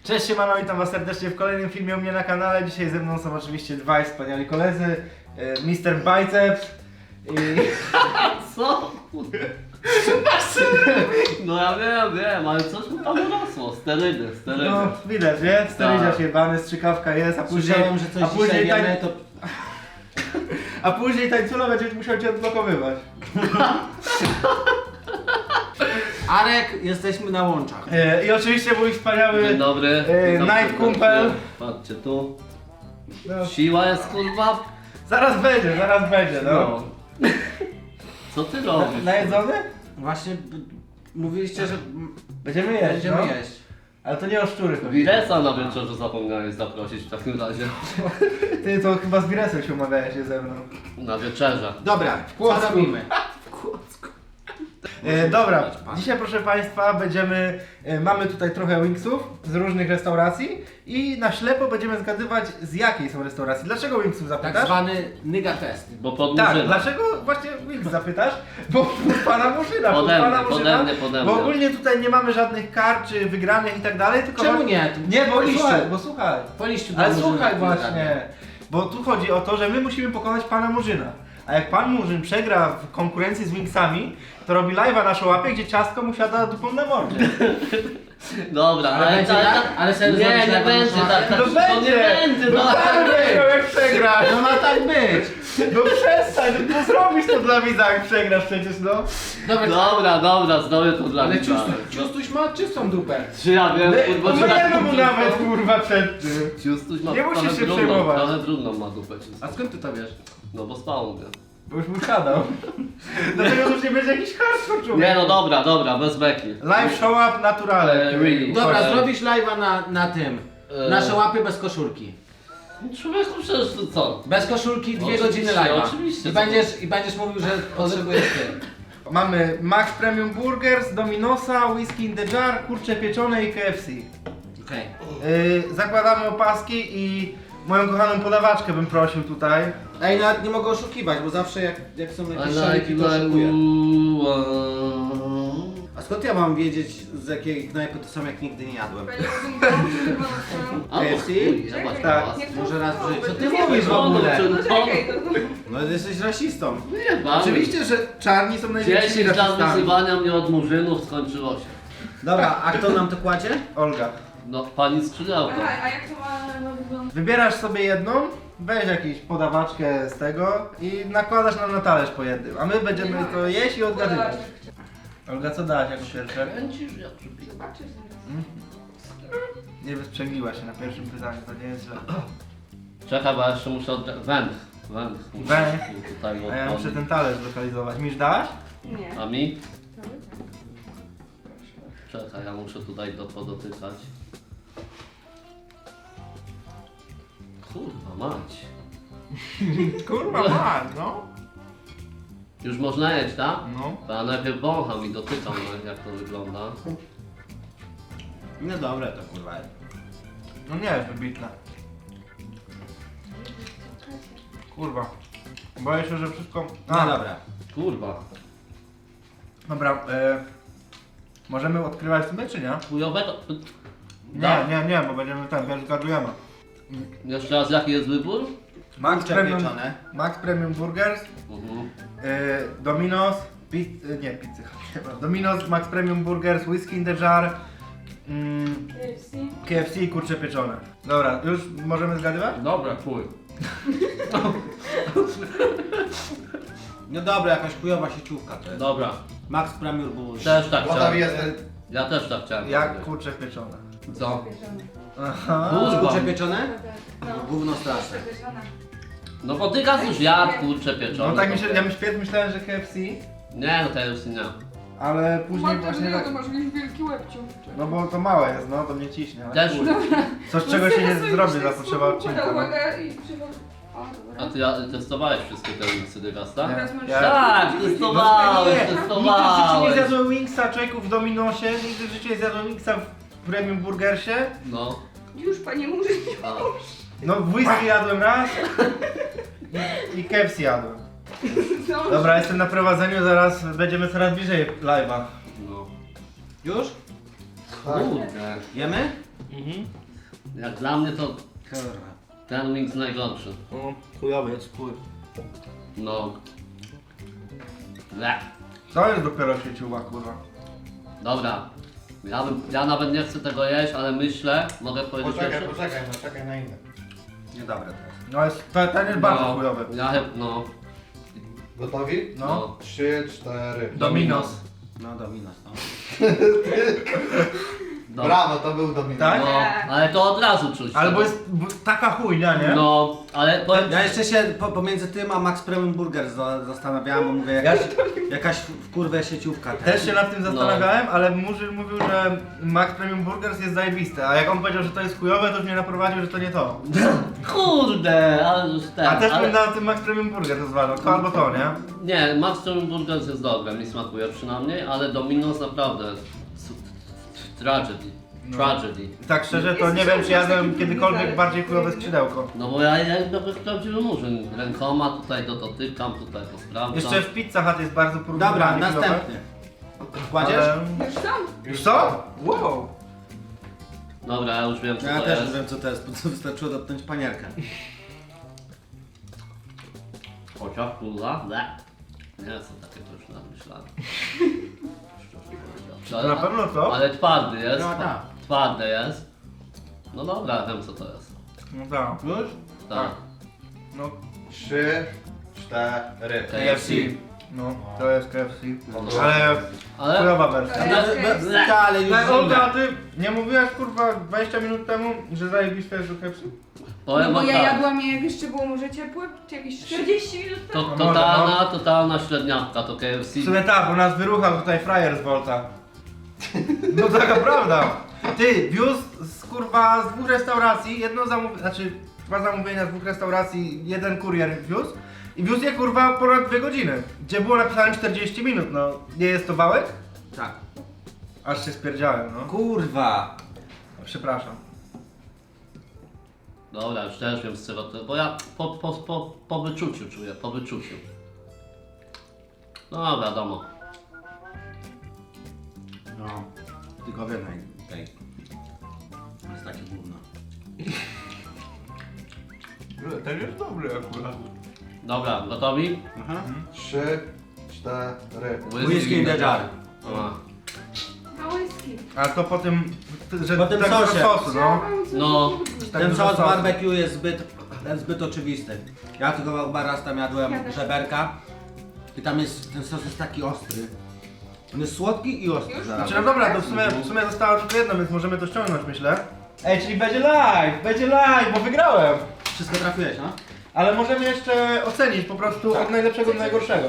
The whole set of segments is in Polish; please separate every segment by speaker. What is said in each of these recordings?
Speaker 1: Cześć, siemano, witam was serdecznie w kolejnym filmie u mnie na kanale. Dzisiaj ze mną są oczywiście dwaj wspaniali koledzy, Mr. Biceps i...
Speaker 2: Co? No ja wiem, ale coś mu tam urosło. Sterydy.
Speaker 1: No widać, nie? Sterydziarz jebany, strzykawka jest, a później...
Speaker 3: Słyszałem, że coś dzisiaj wiemy, to...
Speaker 1: A później tańcula będzie musiał cię odblokowywać.
Speaker 3: Arek, jesteśmy na łączach.
Speaker 1: I oczywiście mój wspaniały...
Speaker 2: Dzień dobry. Witam
Speaker 1: Night
Speaker 2: serdecznie.
Speaker 1: Kumpel.
Speaker 2: Patrzcie tu.
Speaker 1: No,
Speaker 2: Siła jest kurwa.
Speaker 1: zaraz będzie, no.
Speaker 2: Co ty robisz?
Speaker 1: Najedzony?
Speaker 3: Właśnie mówiliście, że
Speaker 1: Będziemy jeść,
Speaker 3: będziemy
Speaker 1: no.
Speaker 3: jeść.
Speaker 1: Ale to nie o szczury.
Speaker 2: Wiresa na wieczorze zapomniałeś zaprosić w takim razie.
Speaker 1: Ty to chyba z Wiresem się umawiałeś się ze mną.
Speaker 2: Na wieczerze.
Speaker 3: Dobra, co
Speaker 1: Kłodzku.
Speaker 3: robimy?
Speaker 1: Dobra, dzisiaj proszę Państwa mamy tutaj trochę wingsów z różnych restauracji i na ślepo będziemy zgadywać z jakiej są restauracji. Dlaczego wingsów
Speaker 3: Tak
Speaker 1: zapytasz?
Speaker 3: zwany nigga test.
Speaker 2: Bo pod
Speaker 1: Tak,
Speaker 2: Murzyna.
Speaker 1: dlaczego właśnie wings zapytasz? Bo pana Murzyna,
Speaker 2: Pode mnie.
Speaker 1: Bo ogólnie tutaj nie mamy żadnych kar czy wygranych i tak dalej, tylko...
Speaker 3: Czemu nie?
Speaker 1: Nie, bo
Speaker 3: Po liściu.
Speaker 1: słuchaj.
Speaker 3: Po liściu
Speaker 1: Ale
Speaker 3: do
Speaker 1: słuchaj
Speaker 3: Murzyna
Speaker 1: właśnie, bo tu chodzi o to, że my musimy pokonać pana Murzyna. A jak pan Murzyn przegra w konkurencji z Wingsami, to robi live'a na szłapie, gdzie ciastko mu siada dupą na mordzie.
Speaker 2: Dobra,
Speaker 3: Ale będzie tak? Ale serio
Speaker 2: Nie,
Speaker 3: zrobisz
Speaker 2: nie
Speaker 3: lewo
Speaker 2: będzie
Speaker 3: na
Speaker 2: tak.
Speaker 1: No
Speaker 2: To
Speaker 1: będzie!
Speaker 2: nie będzie,
Speaker 1: No
Speaker 2: no.
Speaker 1: tak będzie, jak przegrasz!
Speaker 3: No ma tak być!
Speaker 1: No przestań, no zrobisz to dla widza, jak przegrasz przecież, no.
Speaker 2: Dobra, zrobię to dla
Speaker 3: Ale
Speaker 2: widza.
Speaker 3: Ciustuś ma czystą dupę.
Speaker 2: Czy ja wiem, kurwa, czy
Speaker 1: Myjemy
Speaker 2: tak
Speaker 1: mu
Speaker 2: dużo-
Speaker 1: nawet, kurwa, przed tym.
Speaker 2: Ciustuś ma
Speaker 1: Nie musisz
Speaker 2: trochę
Speaker 1: się
Speaker 2: brudną,
Speaker 1: przejmować.
Speaker 2: trochę brudną ma dupę ciustuś.
Speaker 3: A skąd ty to wiesz?
Speaker 2: No bo spał mnie.
Speaker 1: Bo już mu siadał. Dlatego już nie będzie jakiś hardcore człowiek.
Speaker 2: Nie no dobra, bez beki.
Speaker 1: Live show up naturalne.
Speaker 2: Really.
Speaker 3: Dobra,
Speaker 2: Chodź.
Speaker 3: zrobisz live'a na tym. Nasze łapy bez koszulki.
Speaker 2: Człowieku, przecież to co?
Speaker 3: Bez koszulki 2
Speaker 2: Oczywiście,
Speaker 3: godziny live'a.
Speaker 2: oczywiście.
Speaker 3: I będziesz mówił, że potrzebujesz ty.
Speaker 1: Mamy Max Premium Burgers, Dominosa, Whisky in the Jar, kurcze pieczone i KFC.
Speaker 3: Okej.
Speaker 1: Zakładamy opaski i moją kochaną podawaczkę bym prosił tutaj.
Speaker 3: Ej, nawet nie mogę oszukiwać, bo zawsze jak są jakieś
Speaker 2: I
Speaker 3: szaliki,
Speaker 2: like
Speaker 3: to oszukuję.
Speaker 2: you.
Speaker 3: A skąd ja mam wiedzieć, z jakiej knajpy to są, jak nigdy nie jadłem?
Speaker 2: A,
Speaker 3: KFC?
Speaker 2: chuj, zobacz
Speaker 1: Tak.
Speaker 2: teraz.
Speaker 3: Może raz w życiu. Co ty
Speaker 2: Nie
Speaker 3: mówisz w ogóle?
Speaker 1: No.
Speaker 3: No jesteś rasistą.
Speaker 2: Nie, bawi.
Speaker 1: Oczywiście, że czarni są największymi
Speaker 2: 10 lat
Speaker 1: rasistami.
Speaker 2: wyzywania mnie od murzynów skończyło się.
Speaker 3: Dobra, a kto nam to kładzie?
Speaker 1: Olga.
Speaker 2: No, pani skrzydełko.
Speaker 4: A jak to ma wyglądać?
Speaker 1: Wybierasz sobie jedną, weź jakąś podawaczkę z tego i nakładasz nam na talerz po jednym, a my będziemy to jeść i odgadywać. Olga, co dałaś jako pierwsze?
Speaker 2: Kręcisz jak przypina.
Speaker 4: Zobaczysz
Speaker 1: Nie wysprzęgliła się na pierwszym pytaniu, to nie jest źle.
Speaker 2: Czekaj, bo ja jeszcze muszę węch. Muszę
Speaker 1: Węch?
Speaker 2: tutaj
Speaker 1: A ja muszę
Speaker 2: odpalić.
Speaker 1: ten talerz zlokalizować. Misz dałaś?
Speaker 4: Nie.
Speaker 2: A mi? Czekaj, ja muszę tutaj to podotykać. Kurwa mać.
Speaker 1: Kurwa, ma, no.
Speaker 2: Już można jeść, tak?
Speaker 1: No.
Speaker 2: To ja najpierw wącham i dotykam, jak to wygląda.
Speaker 3: No dobre to kurwa.
Speaker 1: No nie jest wybitne. Kurwa. Boję się, że wszystko...
Speaker 3: No dobra.
Speaker 2: Kurwa.
Speaker 1: Dobra, możemy odkrywać sobie, czy nie?
Speaker 2: Chujowego.
Speaker 1: Nie, bo będziemy pierwszy zgadujemy.
Speaker 2: Jeszcze raz, jaki jest wybór?
Speaker 1: Max
Speaker 3: Kurcze
Speaker 1: Premium,
Speaker 3: pieczone.
Speaker 1: Max Premium Burgers, Domino's, nie pizzy, Domino's, Max Premium Burgers, Whisky in the Jar,
Speaker 4: KFC.
Speaker 1: KFC i kurcze pieczone. Dobra, już możemy zgadywać?
Speaker 2: Dobra, chuj.
Speaker 3: No dobra, jakaś chujowa sieciówka to jest.
Speaker 2: Dobra,
Speaker 3: Max Premier Bull.
Speaker 2: też tak chciałem.
Speaker 1: jest
Speaker 2: Ja też tak chciałem.
Speaker 1: jak
Speaker 2: powiedzieć.
Speaker 1: kurcze pieczone.
Speaker 2: Co?
Speaker 1: Aha.
Speaker 2: Kurwa.
Speaker 3: Kurcze pieczone?
Speaker 4: No.
Speaker 3: Gówno straszne.
Speaker 2: No bo ty gaz już jadł, kurczę pieczone.
Speaker 1: No tak ja myślałem, że KFC,
Speaker 2: Nie, no to już nie.
Speaker 1: ale później właśnie tak...
Speaker 4: to masz jakiś wielki łebciu.
Speaker 1: No bo to małe jest, no to mnie ciśnie. ale
Speaker 2: Też.
Speaker 1: chuj. Coś czego się nie zrobi za potrzeba odcinka. No.
Speaker 4: Uwaga i przywoł.
Speaker 2: A ty testowałeś wszystkie te wingsy Dygasta?
Speaker 1: Nie.
Speaker 4: Teraz możesz...
Speaker 1: Ja-
Speaker 2: Tak, testowałeś,
Speaker 1: Nigdy w życiu nie
Speaker 2: testowałeś.
Speaker 1: zjadłem Wingsa, człowieku, w Dominosie, nigdy w życiu nie zjadłem Wingsa w Premium Burgersie.
Speaker 2: No.
Speaker 4: Już panie murzy.
Speaker 2: A.
Speaker 1: No w whisky jadłem raz i KFC jadłem. Dobra, jestem na prowadzeniu, zaraz będziemy coraz bliżej live'a.
Speaker 2: No.
Speaker 3: Już?
Speaker 2: Kurde.
Speaker 3: Jemy?
Speaker 2: Jak dla mnie to
Speaker 3: Kurwa.
Speaker 2: ten wings najgorszy.
Speaker 1: No, chujowy jest, chuj.
Speaker 2: No. Le.
Speaker 1: To jest dopiero sieciuwa, kurwa.
Speaker 2: Dobra. Ja nawet nie chcę tego jeść, ale myślę, mogę powiedzieć jeszcze?
Speaker 3: czekaj na inne. Niedobre to jest.
Speaker 1: No jest, ten jest bardzo chujowy.
Speaker 2: No.
Speaker 5: Gotowi?
Speaker 1: No.
Speaker 5: 3, 4.
Speaker 1: Dominos.
Speaker 3: No Dominos, no.
Speaker 2: No.
Speaker 5: Brawo, to był Dominos.
Speaker 1: Tak?
Speaker 2: No, ale to od razu czuć.
Speaker 1: Albo jest taka chujnia, nie?
Speaker 2: No, ale powiem
Speaker 3: Ja jeszcze się pomiędzy tym a Max Premium Burger zastanawiałem, bo mówię jakaś w kurwę sieciówka.
Speaker 1: Też się nad tym zastanawiałem, ale Murzyn mówił, że Max Premium Burgers jest zajebiste, a jak on powiedział, że to jest chujowe, to już mnie naprowadził, że to nie to.
Speaker 2: Kurde, ale już ten.
Speaker 1: A też
Speaker 2: ale...
Speaker 1: bym na tym Max Premium Burger rozważał, to albo to, nie?
Speaker 2: Nie, Max Premium Burgers jest dobre, mi smakuje przynajmniej, ale Domino's naprawdę tragedy.
Speaker 1: No.
Speaker 2: Tragedy.
Speaker 1: Tak szczerze, to
Speaker 4: Jest
Speaker 1: nie wiem, czy jadłem
Speaker 4: taki
Speaker 1: kiedykolwiek
Speaker 4: burger.
Speaker 1: bardziej chujowe skrzydełko.
Speaker 2: No bo ja jak prawdziwy murzyn. Rękoma tutaj dotykam, tutaj to sprawdzam.
Speaker 1: Jeszcze w Pizza Hut jest bardzo
Speaker 3: Dobra,
Speaker 1: porównywalnie chujowe,
Speaker 3: następny. Kładziesz?
Speaker 1: ale-
Speaker 4: Już są?
Speaker 1: Już co? Wow!
Speaker 2: Dobra, ja już wiem co
Speaker 3: Ja
Speaker 2: to
Speaker 3: też
Speaker 2: jest.
Speaker 3: wiem co to jest, bo to wystarczyło dotknąć panierkę.
Speaker 2: Chociaż kurwa, nie są takie to już namyślane. Szczerze
Speaker 1: Na
Speaker 2: powiedziawszy.
Speaker 1: pewno co?
Speaker 2: Ale twardy jest.
Speaker 3: No tak.
Speaker 2: Twarde jest. No dobra, wiem co to jest.
Speaker 1: No tak.
Speaker 3: Już?
Speaker 2: Tak.
Speaker 1: No
Speaker 5: 3, 4.
Speaker 1: KFC. No, to jest KFC.
Speaker 2: No.
Speaker 1: Ale
Speaker 2: Ale...
Speaker 1: chujowa wersja.
Speaker 4: Ale-
Speaker 3: Ale już
Speaker 1: Ale Olga, a
Speaker 3: zimne.
Speaker 1: ty nie mówiłaś kurwa 20 minut temu, że zajebiste jest do KFC?
Speaker 2: Powiem
Speaker 4: No bo
Speaker 2: wam
Speaker 4: ja
Speaker 2: tak.
Speaker 4: jadłam je jak jeszcze było może ciepłe, czy jakieś 40 minut
Speaker 2: To
Speaker 4: temu.
Speaker 2: totalna średniawka to KFC.
Speaker 1: W sumie tak, bo nas wyruchał tutaj frajer z Volta. No taka prawda. Ty, wiózł z kurwa z 2 restauracji, jedno zamówienie, znaczy 2 zamówienia z 2 restauracji, jeden kurier wiózł i wiózł je kurwa ponad 2 godziny. Gdzie było napisane 40 minut, no. Nie jest to wałek?
Speaker 3: Tak.
Speaker 1: Aż się spierdziałem, no.
Speaker 3: Kurwa.
Speaker 1: Przepraszam.
Speaker 2: Dobra, już też wiem z czego to, bo ja po wyczuciu czuję, po wyczuciu. No wiadomo.
Speaker 3: No. Tylko wiem tej. To jest takie gówno.
Speaker 1: Ten jest dobry akurat.
Speaker 2: Dobra, gotowi?
Speaker 3: Aha.
Speaker 5: 3, 4.
Speaker 3: Whisky in the jar.
Speaker 2: A.
Speaker 4: Na whisky.
Speaker 1: A to po tym, że
Speaker 3: Po tym
Speaker 1: tak
Speaker 3: sosie.
Speaker 1: dużo sosu, no.
Speaker 2: No.
Speaker 1: Tak
Speaker 3: Ten
Speaker 1: dużo
Speaker 3: sos
Speaker 1: sosu.
Speaker 3: barbecue jest zbyt oczywisty. Ja tylko chyba raz tam jadłem
Speaker 4: Ja też.
Speaker 3: żeberka i tam jest, ten sos jest taki ostry. On jest słodki i ostry
Speaker 4: Już?
Speaker 3: zarazem.
Speaker 1: Znaczy no dobra, to w sumie zostało tylko jedno, więc możemy to ściągnąć, myślę. Ej, czyli będzie live, bo wygrałem.
Speaker 3: Wszystko trafiłeś, no?
Speaker 1: Ale możemy jeszcze ocenić po prostu od najlepszego do najgorszego.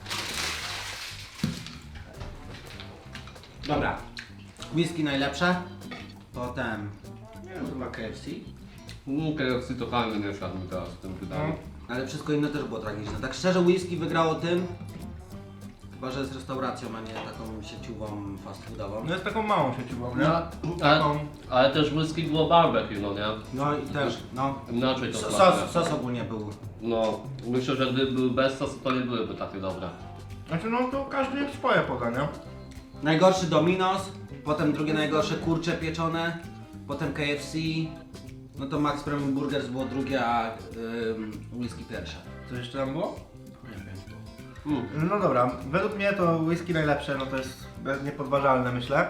Speaker 3: Dobra. Whisky najlepsze. Potem... Nie wiem, chyba KFC.
Speaker 2: KFC totalnie nie siadł mi teraz w tym wydaniu.
Speaker 3: Ale wszystko inne też było tragiczne. Tak szczerze whisky wygrało tym. Chyba, że jest restauracją, a nie taką sieciową fast foodową.
Speaker 1: No jest taką małą sieciową, nie?
Speaker 2: No, ale,
Speaker 1: Taką...
Speaker 2: ale też whisky było barbecue, no nie?
Speaker 3: No i też, no.
Speaker 2: Inaczej to smakuje.
Speaker 3: Sos ogólnie był.
Speaker 2: No, myślę, że gdyby były bez sosu, to nie byłyby takie dobre.
Speaker 1: Znaczy no to każdy swoje poda, nie?
Speaker 3: Najgorszy Dominos, potem drugie najgorsze kurcze pieczone, potem KFC, no to Max Premium Burgers było drugie, a whisky pierwsze.
Speaker 1: Coś jeszcze tam było?
Speaker 3: Nie wiem.
Speaker 1: No dobra, według mnie to whisky najlepsze, no to jest niepodważalne, myślę.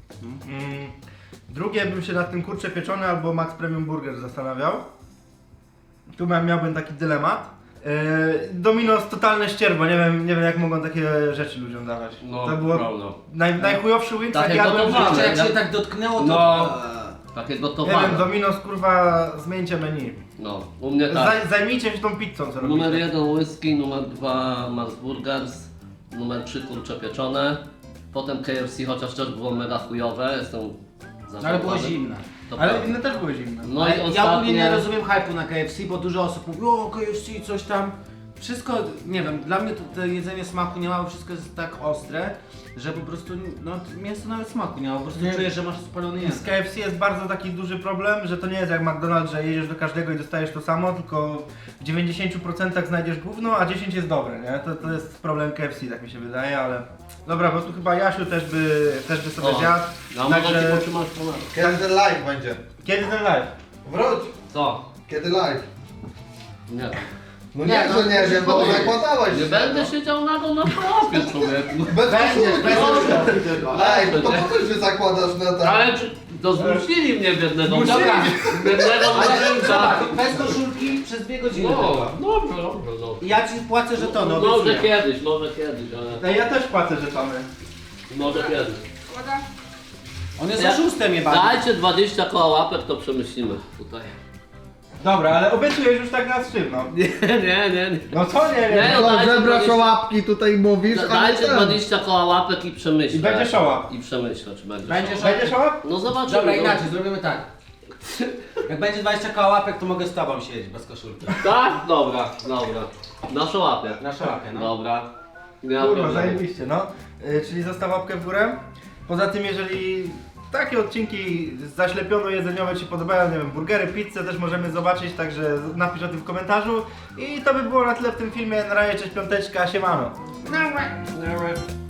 Speaker 1: Drugie bym się nad tym kurcze pieczone albo Max Premium Burger zastanawiał. Tu miałbym taki dylemat. Domino's totalne ścierwo, nie wiem jak mogą takie rzeczy ludziom dawać.
Speaker 2: No,
Speaker 1: To było
Speaker 2: prawda.
Speaker 1: najchujowszy wings jak
Speaker 2: Takie
Speaker 1: jadłem w
Speaker 2: gotowane.
Speaker 1: życiu.
Speaker 3: Jak się tak dotknęło, to...
Speaker 2: No. Takie
Speaker 1: Nie wiem,
Speaker 2: gotowane.
Speaker 1: Domino's kurwa, zmieńcie menu.
Speaker 2: No, u mnie tak.
Speaker 1: Zajmijcie się tą pizzą, co
Speaker 2: Numer
Speaker 1: robicie.
Speaker 2: 1 whisky, numer 2 Max Burgers, numer 3 kurcze pieczone, potem KFC, chociaż też było mega chujowe, jestem
Speaker 3: No, ale było
Speaker 2: zażałowany.
Speaker 3: zimne.
Speaker 2: To
Speaker 1: Ale
Speaker 2: prawda.
Speaker 1: inne też były zimne.
Speaker 2: No
Speaker 3: Ale
Speaker 2: i
Speaker 3: ja ogólnie nie
Speaker 2: ostatnie,
Speaker 3: rozumiem hype'u na KFC, bo dużo osób mówi, o KFC coś tam. wszystko, nie wiem, dla mnie to jedzenie smaku nie ma, bo wszystko jest tak ostre, że po prostu, no mięso nawet smaku nie ma, po prostu
Speaker 1: Nie.
Speaker 3: czujesz, że masz spalony
Speaker 1: Z
Speaker 3: język.
Speaker 1: KFC jest bardzo taki duży problem, że to nie jest jak McDonald's, że jedziesz do każdego i dostajesz to samo, tylko w 90% znajdziesz gówno, a 10 jest dobre, nie? To jest problem KFC, tak mi się wydaje, ale... Dobra, bo tu chyba Jasiu też by sobie
Speaker 2: O,
Speaker 1: zjadł,
Speaker 2: Ja mogę ci
Speaker 1: także...
Speaker 2: potrzymać ponad.
Speaker 5: Kiedy ten live będzie?
Speaker 1: Kiedy ten live?
Speaker 5: Wróć!
Speaker 2: Co?
Speaker 5: Kiedy live?
Speaker 2: Nie.
Speaker 5: No
Speaker 3: Nie,
Speaker 5: nie,
Speaker 3: no,
Speaker 5: że nie wiem, bo
Speaker 2: nie.
Speaker 5: zakładałeś
Speaker 2: Nie
Speaker 5: się,
Speaker 2: będę
Speaker 5: no.
Speaker 2: siedział nago na chłopie, człowieku.
Speaker 5: Bez koszulki. Ej, to
Speaker 2: Nie.
Speaker 5: po co się zakładasz na to?
Speaker 2: Ale to zmusili mnie biednego.
Speaker 1: Zmusili.
Speaker 2: Dobra, biednego mężczyzna.
Speaker 3: Zobacz, bez koszulki przez 2 godziny
Speaker 2: No,
Speaker 3: tylko.
Speaker 2: dobrze, no.
Speaker 3: I ja ci płacę żetony,
Speaker 2: Może
Speaker 3: obiecuję.
Speaker 2: kiedyś, ale
Speaker 1: Ej, ja też płacę żetony.
Speaker 2: może kiedyś.
Speaker 4: Składa.
Speaker 3: On jest
Speaker 2: Ja-
Speaker 3: oszustem jebany.
Speaker 2: Dajcie 20 koła łapek, to przemyślimy tutaj.
Speaker 1: Dobra, ale obiecujesz już tak na sztywno.
Speaker 2: Nie.
Speaker 1: No co nie wiem?
Speaker 2: Nie, no, dajcie
Speaker 5: Zebrasz
Speaker 2: 20
Speaker 5: łapki tutaj mówisz, a nie
Speaker 2: Dajcie
Speaker 5: ten.
Speaker 2: 20 koła łapek i przemyślę.
Speaker 1: I będzie show-up.
Speaker 2: I przemyślę, czy będzie
Speaker 3: Będzie
Speaker 2: show-up.
Speaker 1: Będzie show?
Speaker 2: No zobaczymy.
Speaker 3: Dobra,
Speaker 2: no.
Speaker 3: inaczej, zrobimy tak. Jak będzie 20 koła łapek, to mogę z tobą siedzieć bez koszulki.
Speaker 2: Tak? Dobra. Na show-upie.
Speaker 3: Na szałapie, no.
Speaker 2: Dobra. Nie ma
Speaker 1: Kurwa,
Speaker 2: problemu.
Speaker 1: zajebiście, no. Czyli zostaw łapkę w górę. Poza tym, jeżeli takie odcinki zaślepiono-jedzeniowe Ci podobają, nie wiem, burgery, pizzę też możemy zobaczyć, także napisz o tym w komentarzu. I to by było na tyle w tym filmie. Na razie, cześć, piąteczka, siemano.
Speaker 3: Dobra.